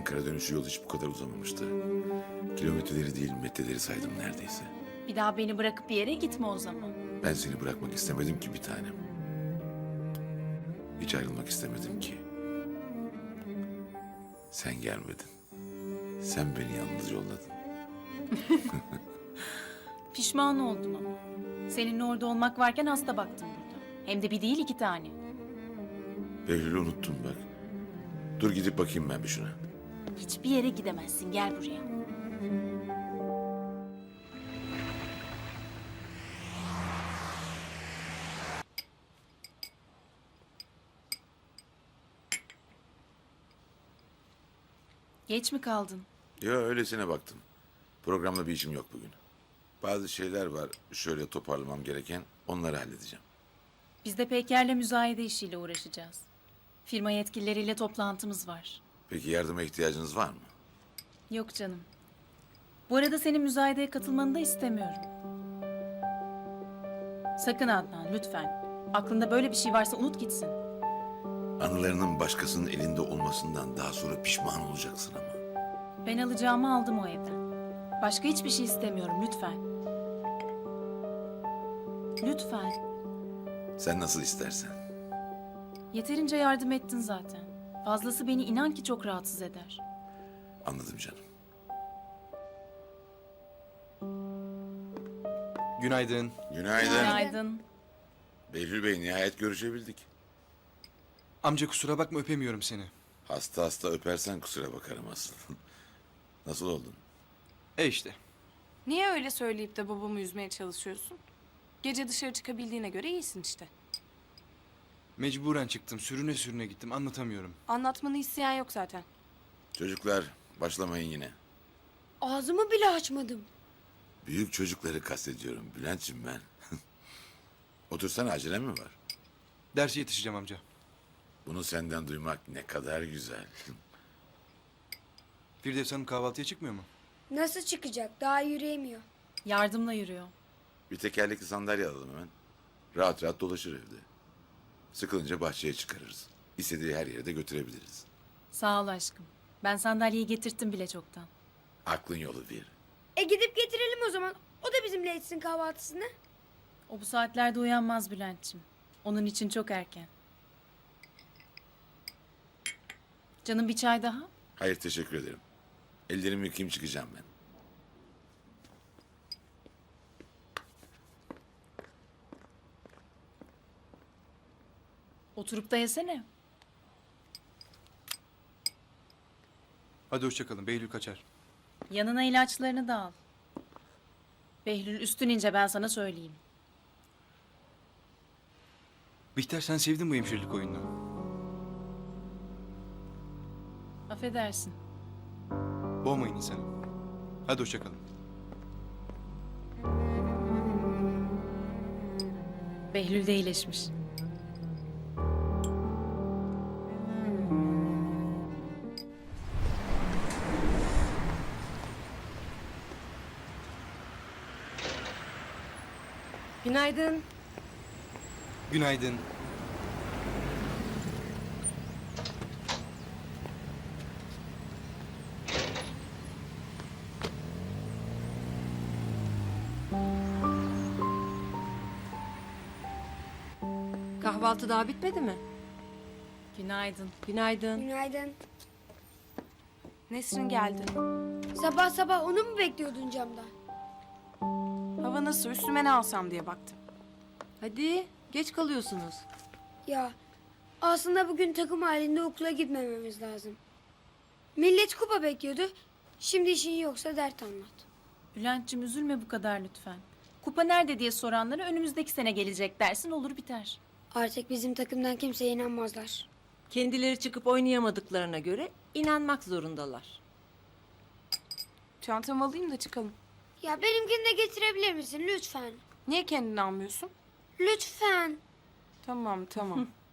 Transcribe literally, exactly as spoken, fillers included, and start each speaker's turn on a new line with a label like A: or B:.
A: Ankara dönüşü yol hiç bu kadar uzamamıştı. Kilometreleri değil metreleri saydım neredeyse.
B: Bir daha beni bırakıp bir yere gitme o zaman.
A: Ben seni bırakmak istemedim ki bir tanem. Hiç ayrılmak istemedim ki. Sen gelmedin. Sen beni yalnız yolladın.
B: Pişman oldum ama. Seninle orada olmak varken hasta baktım burada. Hem de bir değil iki tane.
A: Behlül'ü unuttum bak. Dur gidip bakayım ben bir şuna.
B: Hiçbir yere gidemezsin, gel buraya. Geç mi kaldın?
A: Ya öylesine baktım. Programla bir işim yok bugün. Bazı şeyler var şöyle toparlamam gereken, onları halledeceğim.
B: Biz de Peyker'le müzayede işiyle uğraşacağız. Firma yetkilileriyle toplantımız var.
A: Peki yardıma ihtiyacınız var mı?
B: Yok canım. Bu arada senin müzayedeye katılmanı da istemiyorum. Sakın Adnan, lütfen. Aklında böyle bir şey varsa unut gitsin.
A: Anılarının başkasının elinde olmasından daha sonra pişman olacaksın ama.
B: Ben alacağımı aldım o evden. Başka hiçbir şey istemiyorum, lütfen. Lütfen.
A: Sen nasıl istersen.
B: Yeterince yardım ettin zaten. Fazlası beni inan ki çok rahatsız eder.
A: Anladım canım.
C: Günaydın.
A: Günaydın.
B: Günaydın.
A: Behlül Bey nihayet görüşebildik.
C: Amca kusura bakma öpemiyorum seni.
A: Hasta hasta öpersen kusura bakarım asıl. Nasıl oldun?
C: E işte.
D: Niye öyle söyleyip de babamı üzmeye çalışıyorsun? Gece dışarı çıkabildiğine göre iyisin işte.
C: Mecburen çıktım. Sürüne sürüne gittim. Anlatamıyorum.
D: Anlatmanı isteyen yok zaten.
A: Çocuklar başlamayın yine.
E: Ağzımı bile açmadım.
A: Büyük çocukları kastediyorum Bülent'ciğim ben. Otursana acelem mi var?
C: Derse yetişeceğim amca.
A: Bunu senden duymak ne kadar güzel.
C: Firdevs Hanım kahvaltıya çıkmıyor mu?
E: Nasıl çıkacak? Daha yürüyemiyor.
B: Yardımla yürüyor.
A: Bir tekerlekli sandalye alalım hemen. Rahat rahat dolaşır evde. Sıkılınca bahçeye çıkarırız. İstediği her yere de götürebiliriz.
B: Sağ ol aşkım. Ben sandalyeyi getirttim bile çoktan.
A: Aklın yolu bir.
E: E gidip getirelim o zaman. O da bizimle etsin kahvaltısını.
B: O bu saatlerde uyanmaz Bülent'ciğim. Onun için çok erken. Canım bir çay daha?
A: Hayır teşekkür ederim. Ellerimi yıkayayım çıkacağım ben.
B: Oturup da yesene.
C: Hadi hoşçakalın. Behlül kaçar.
B: Yanına ilaçlarını da al. Behlül üstün ince ben sana söyleyeyim.
C: Bihter sen sevdin bu hemşirelik oyununu.
B: Affedersin.
C: Boğmayın insanı. Hadi hoşçakalın.
B: Behlül de iyileşmiş.
D: Günaydın.
C: Günaydın.
D: Kahvaltı daha bitmedi mi?
B: Günaydın.
D: Günaydın.
E: Günaydın.
D: Nesrin geldi.
E: Sabah sabah onu mu bekliyordun camda?
D: Hava nasıl? Üstüme ne alsam diye baktım.
F: Hadi, geç kalıyorsunuz.
E: Ya aslında bugün takım halinde okula gitmememiz lazım. Millet kupa bekliyordu. Şimdi işin yoksa dert anlat.
B: Bülent'ciğim üzülme bu kadar lütfen. Kupa nerede diye soranlara önümüzdeki sene gelecek dersin olur biter.
E: Artık bizim takımdan kimseye inanmazlar.
F: Kendileri çıkıp oynayamadıklarına göre inanmak zorundalar.
D: Çantamı alayım da çıkalım.
E: Ya benimkini de getirebilir misin lütfen?
D: Niye kendini almıyorsun?
E: Lütfen.
D: Tamam tamam.